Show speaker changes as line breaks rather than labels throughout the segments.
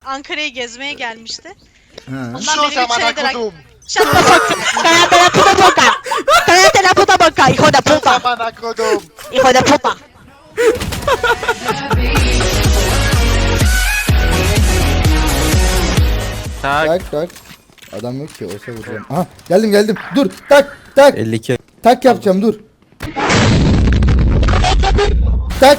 Ankara'ya gezmeye gelmişti.
Ha.
Ondan beri 3 senedir...
kodum.
Shut the fuck up.
¡Cállate la puta boca! ¡Cállate la puta boca, hijo de puta!
Amına kodum.
¡Hijo de puta!
Tak tak. Adam yok ki olsa vuracağım. Aha geldim. Dur tak tak.
52.
Tak yapacağım dur. Tak.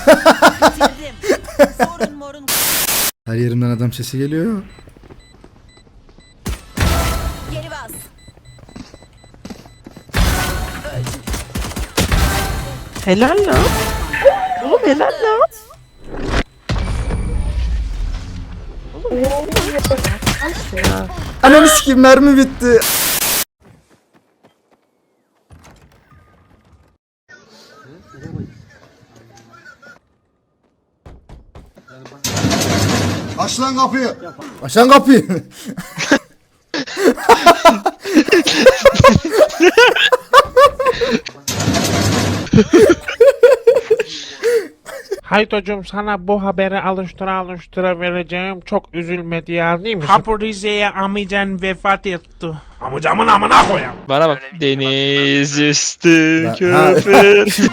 Her yerimden adam sesi geliyor.
Geri bas. Helal lan. Oğlum helal lan.
Ananı sikeyim mermi bitti.
Aç lan kapıyı.
Açan kapıyı.
Haytocuğum sana bu haberi alıştıra vereceğim. Çok üzülme diye değil mi? Kapı Rize'ye amcan vefat etti. Amcamın amına koyayım.
Bana bak. Deniz üstü
Ha.
köpür.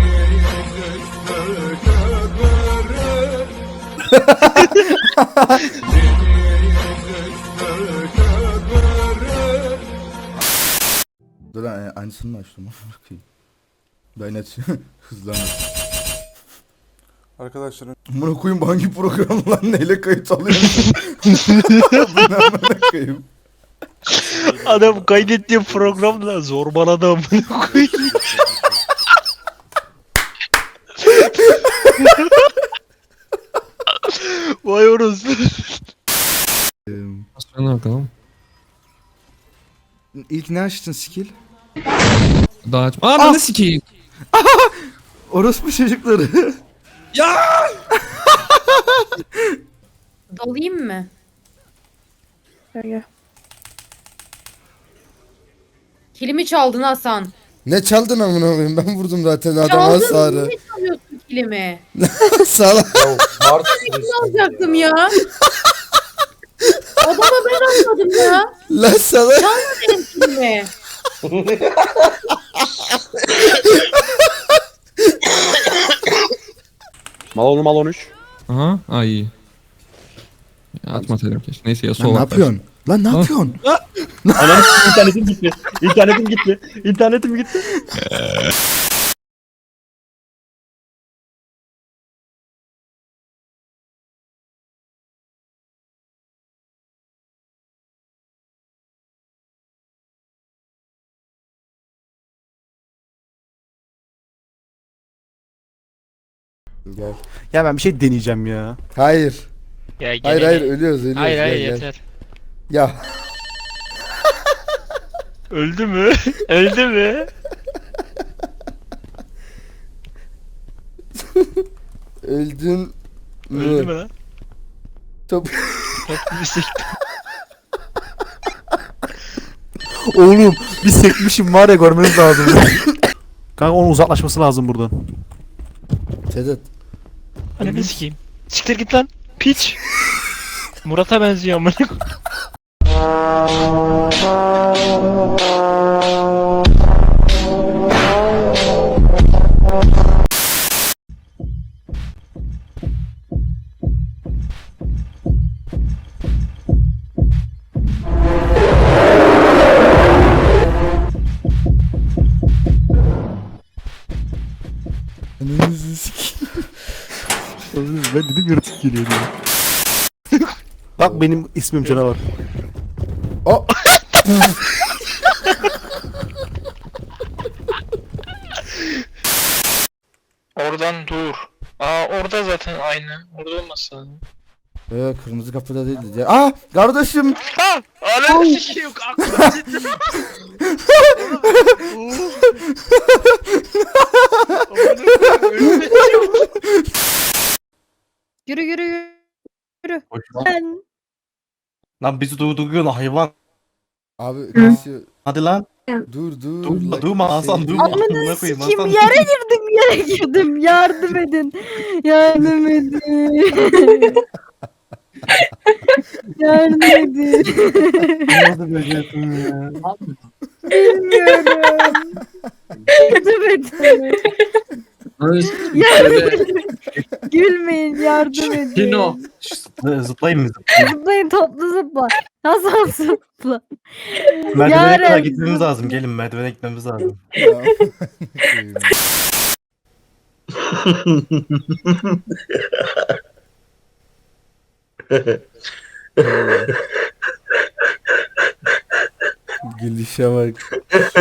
Dur lan aynısını mı açtım? Ben açıyorum. Hızlanır.
Arkadaşlar
Bunu koyayım hangi program lan neyle kayıt alıyorsun? Bunu amına koyayım.
Adam kaydettiği programda zorbaladı amına koyayım. Vay orası.
Sonra bakalım.
İlk ne açtın skill?
Daha aç. Aa ben de sikeyim.
Orospu çocukları.
Dalayım mı? Kilimi çaldın Hasan.
Ne çaldın amına koyayım? Ben vurdum zaten adama
Çaldın
hasarı.
niye çalıyorsun kilimi?
Salak.
Ne alacaktım ya? Adama ben atladım ya.
Lan salak.
Benim kilimi.
Mal 13.
Aha. Aa iyi. Ya, atmasaydım keşke. Neyse ya
Lan
sol
ne
at.
yapıyorsun? Lan ne yapıyorsun?
Anam internetim gitti. İnternetim gitti.
Gel.
ya ben bir şey deneyeceğim ya.
Hayır.
Ya
Hayır ölüyoruz.
Hayır
Gel, gel.
yeter.
Ya
Öldü mü? Öldü mü?
öldün
Öldü mü
mü?
lan?
Top.
Top bir sikti.
Oğlum bir sekmişim var ya görmeniz lazım. Kanka onun uzaklaşması lazım buradan.
Sedat.
Ananı sikeyim. Siktir git lan. Piç. Murat'a benziyor amına.
Önünüzü sikeyim.
Oğlum ben dedim yaratık geliyor diye. Bak benim ismim canavar.
O.
Oradan dur. Aa orada zaten aynı. Orada olmasa.
Kırmızı kapıda değildi. Aa kardeşim.
Ha! Ananı sikeyim. Aklım gitti.
Yürü yürü yürü.
Lan bizi durduruyorsun hayvan.
Abi kesiyor.
Hadi lan.
Dur.
Dur, durma Hasan durma.
Amına
Amına koyayım
sikeyim
Hasan.
yere girdim. Yardım edin. Yardım edin. Yardım edin.
Nasıl becerdin ya?
Bilmiyorum. Yardım edin. Gülmeyin, yardım edin.
Zıplayın mı?
Zıplayın, toplu zıpla. Nasıl zıpla?
Merdivene kadar
Yaren.
gitmemiz lazım. Gelin merdivene gitmemiz lazım.
Ya. Gülüşe bak.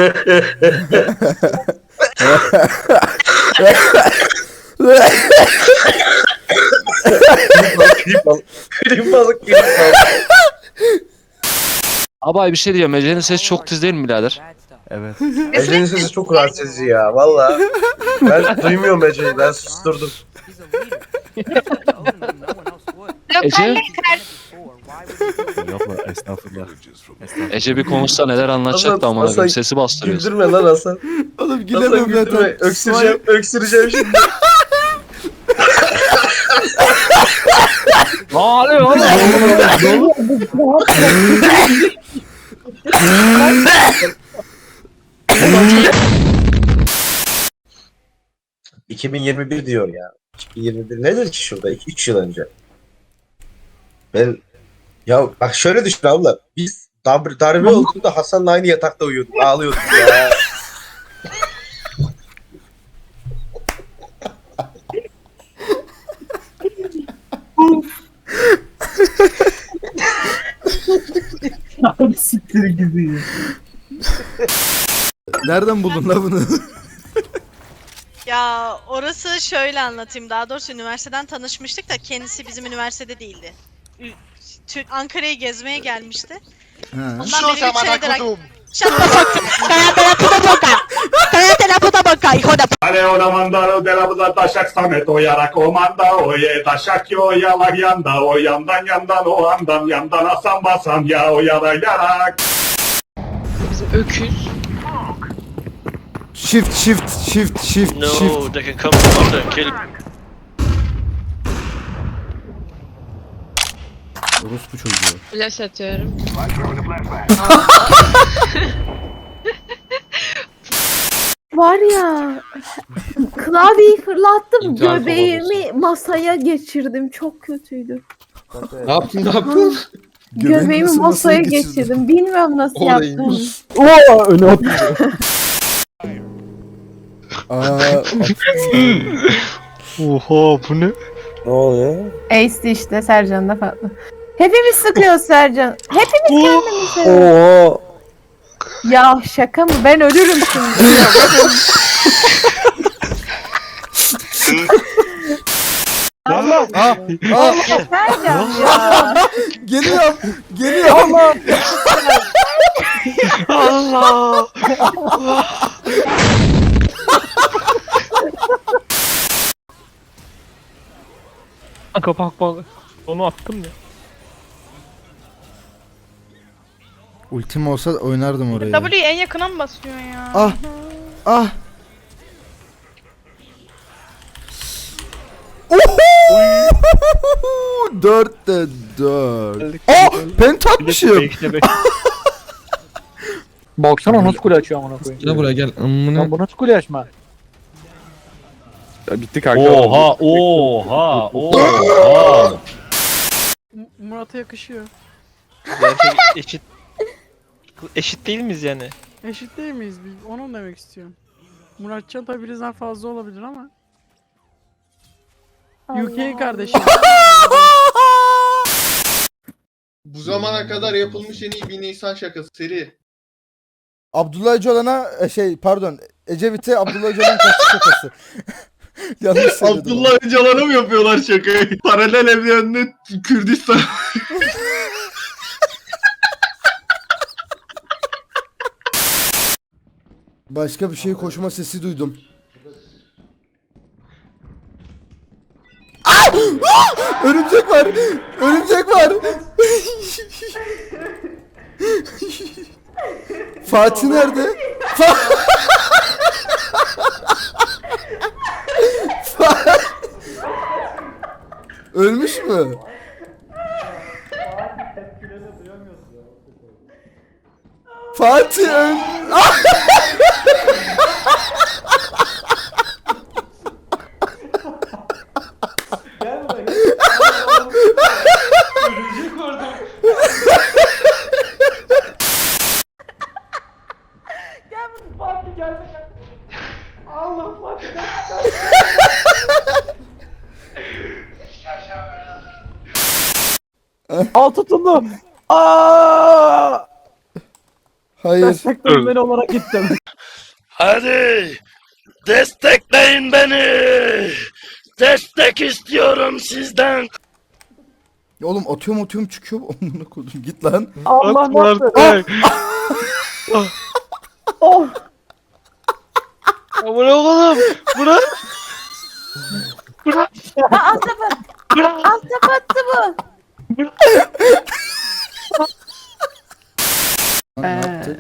Abi bir şey diyeceğim. Ece'nin sesi çok tiz değil mi birader?
Evet.
Ece'nin sesi çok rahatsız ya valla. Ben duymuyorum Ece'yi, ben susturdum.
Ece?
Yok lan estağfurullah.
Ece bir konuşsa neler anlatacaktı amına koyayım. Sesi bastırıyorsun.
Güldürme lan Hasan.
Oğlum
Hasan
gülemem
güldürme.
zaten.
Öksüreceğim şimdi.
Ne oluyor oğlum?
2021 diyor ya. 2021 nedir ki şurada? 2-3 yıl önce. Ben ya bak şöyle düşün abla. Biz darbe olduğunda Hasan'la aynı yatakta uyuyorduk. Ağlıyorduk ya.
Siktir gibi.
Nereden buldun la bunu?
Ya orası şöyle anlatayım. Daha doğrusu üniversiteden tanışmıştık da kendisi bizim üniversitede değildi. Ankara'yı gezmeye gelmişti.
Ha.
Ondan beri 3 senedir... Shut the
Cállate la puta boca. Cállate la puta boca, hijo de
Aleona mandaro de la taşak samet o yara komanda oye taşak yo yalak yanda o yandan o yandan asan basan ya o yara yarak.
Bizim öküz.
Shift.
They can come from under and kill.
Orospu çocuğu.
Flash atıyorum. Var ya, klavyeyi fırlattım,
İntihar
göbeğimi masaya geçirdim, çok kötüydü.
Ne yaptın?
Göbeğimi
nasıl
masaya
geçirdin?
geçirdim, bilmiyorum nasıl yaptım.
Oo öne at.
Aa,
Oha bu ne?
Ne oluyor?
Ace'di işte, Sercan da farklı. Hepimiz sıkıyoruz Sercan. Hepimiz kendimiz sıkıyoruz.
Oo.
Ya şaka mı? Ben ölürüm şimdi. Allah. Sercan ya.
geliyorum.
Allah! Kanka bak. Onu attım ya.
Ultim olsa oynardım orayı.
W'yi en yakına mı basıyorsun ya?
Ah. Oho! 4'te 4. Penta atmışım.
Baksana nasıl kule açıyor amına koyayım.
Gel buraya gel. Amına.
Lan bu nasıl kule açma?
Ya bitti kanka.
Oha.
Murat'a yakışıyor.
Gerçek eşit değil miyiz yani?
Eşit değil miyiz biz? Onu demek istiyorum. Muratcan tabi bizden fazla olabilir ama. UK kardeşim.
Bu zamana kadar yapılmış en iyi bir Nisan şakası seri.
Abdullah Öcalan'a Ecevit'e Abdullah Öcalan kaçtı şakası. Yanlış söyledim.
Öcalan'a mı yapıyorlar şakayı? Paralel evreninde Kürdistan.
Başka bir şey koşma sesi duydum. Örümcek var. Fatih nerede? Ölmüş mü? Fatih öl.
Al tutundu. Aa!
Hayır.
Sektörün beni olarak gittim.
Hadi destekleyin beni. Destek istiyorum sizden.
Oğlum atıyorum çıkıyor. Amına koydum. Git lan.
Allah ne yaptı?
Oh.
Aman oğlum. Bırak. Bırak.
Alt tarafı. Alt tarafı attı bu.
Ne yaptık?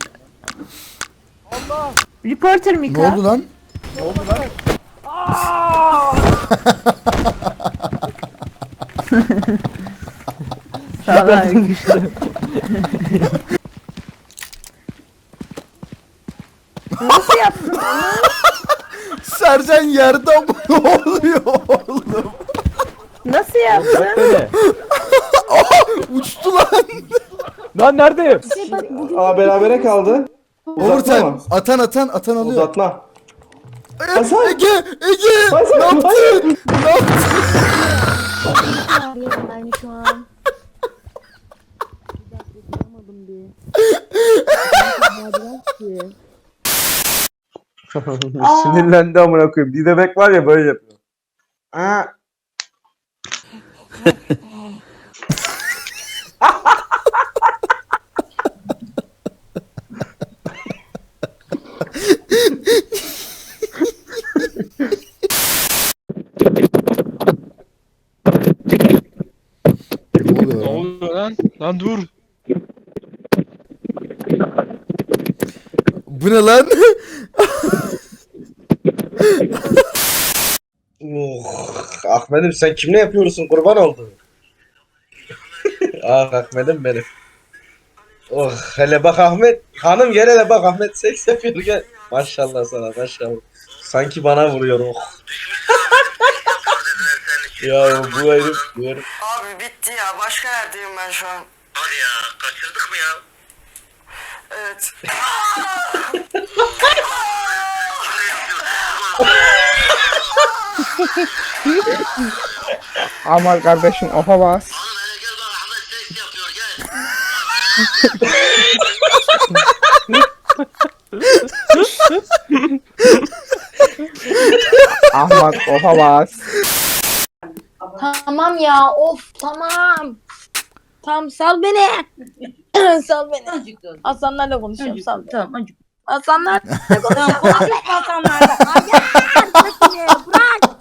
Reporter
Ne
Mika.
oldu lan?
Salak. Nasıl yaptın onu?
Sercan yerde ama ne oluyor oğlum?
Nasıl yaptın?
Uçtu lan.
Lan neredeyim?
Bak bugün
Aa berabere kaldı.
Overtime. Atan alıyor.
Uzatma.
Ege! Ne yaptın? Ne yaptın?
ben şu an.
Sinirlendi amına koyayım. Bir bebek var ya böyle yapıyor. Aa.
Ne oluyor
Ne
lan?
oluyor lan? Lan dur.
Bu ne lan?
Ahmet'im sen kimle yapıyorsun kurban oldum. Ah Ahmet'im benim. Oh hele bak Ahmet. Hanım gel hele bak Ahmet seks yapıyor gel. Maşallah sana maşallah. Sanki bana vuruyor oh. Ya bu herif.
Abi bitti ya. Başka yerdeyim ben şu an.
Hadi ya kaçırdık mı ya?
Evet. Aman kardeşim oha bas.
Hele gel bak Ahmet seks yapıyor gel.
Ahmet oha bas.
Tamam ya of tamam. Tamam sal beni. Sal beni. Hasanlarla konuşuyorum sal. Tamam acık. Hasanlarla konuşuyorum. Konuşma Hasanlarla. Bırak.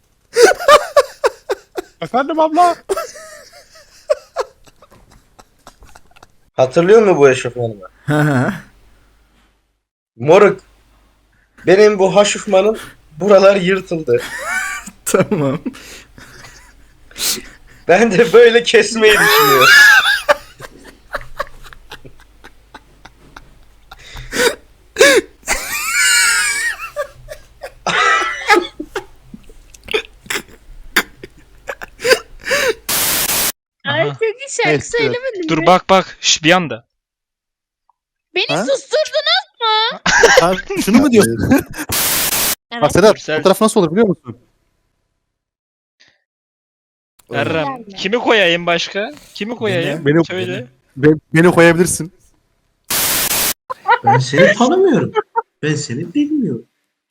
Efendim abla.
Hatırlıyor musun bu eşofmanımı? Moruk. Benim bu haşofmanın buralar yırtıldı.
Tamam.
Ben de böyle kesmeyi düşünüyorum.
Aha.
Çok iyi şarkı söylemedin
Dur bak. Şş bir anda.
Beni
Ha?
susturdunuz.
Ha, şunu mu diyorsun? Bak Sedat
Gürsel.
fotoğraf nasıl olur biliyor musun?
Errem. Kimi koyayım başka? Kimi koyayım?
Beni-
Söyle.
Beni koyabilirsin.
Ben seni tanımıyorum. Ben seni bilmiyorum.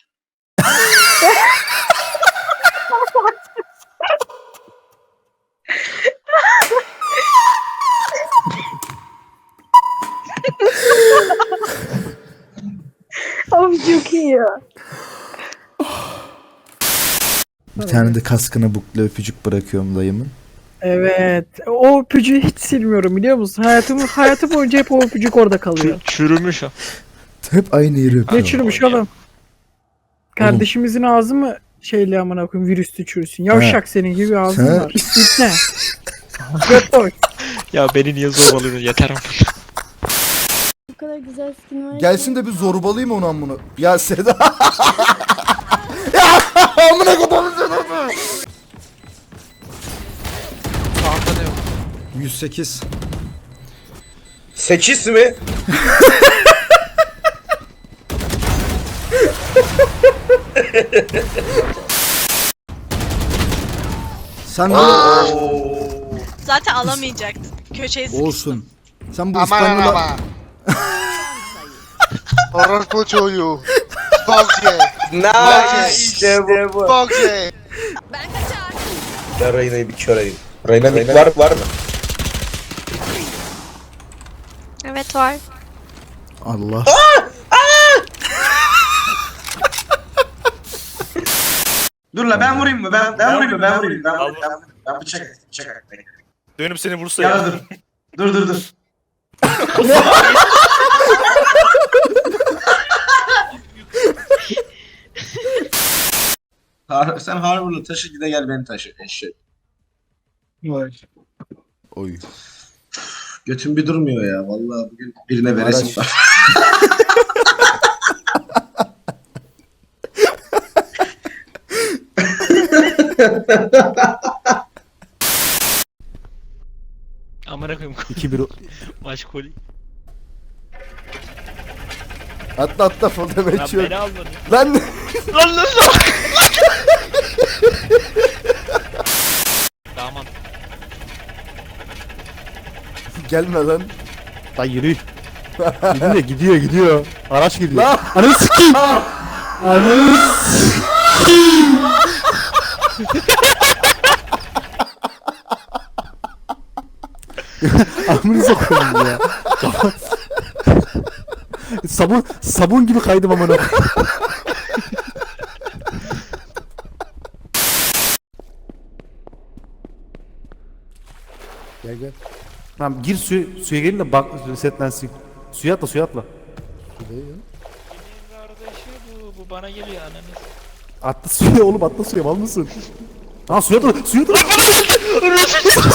Of çok iyi ya.
Bir tane de kaskına bukle öpücük bırakıyorum dayımın.
Evet. O öpücüğü hiç silmiyorum biliyor musun? Hayatım boyunca hep o öpücük orada kalıyor.
Çürümüş o.
Hep aynı yeri
Ne
öpüyorum.
çürümüş oğlum? Kardeşimizin ağzı mı şeyle amına koyayım virüslü çürüsün. Yavşak senin gibi ağzın
Sen-
var. İpne. Göt boy.
Ya beni niye zorbalıyorsun yeter ama.
Bu kadar güzel skin var.
Gelsin de bir zorbalayayım onu amına. Ya Seda. Ya amına kodum Seda. 108.
8 mi?
Sen de
Zaten alamayacaktın. Köşeye sıkıştın.
olsun. Sen bu İspanyol'a
Orospu çocuğu. Bok ye.
Nice işte bu.
Bok ye.
Ya Reyna'yı bir kör edeyim. Reyna var mı?
Evet var.
Allah.
Dur la ben vurayım mı? Ben vurayım mı? Ben vurayım. Ben bıçak.
Dönüp seni vursa
Ya dur. Sen Harvard'la taşı gide gel beni taşı eşek.
Oy.
Götüm bir durmuyor ya. Vallahi bugün birine veresim
Araç.
var.
Amına koyayım.
2-1
Maç koli.
Atla foto
Lan
geçiyor.
beni almadın.
Lan
Lan. Damat.
gelme lan.
Lan yürü. Gidiyor. Araç gidiyor.
Lan.
Ananı sikeyim. Ananı Amınıza koyayım ya. sabun gibi kaydım amına.
Gel.
Tamam gir suya gelin de bak resetlensin. Suya atla.
Kardeşi bu bana geliyor ananı.
Atla suya oğlum atla suya mal mısın? Ha suya atla.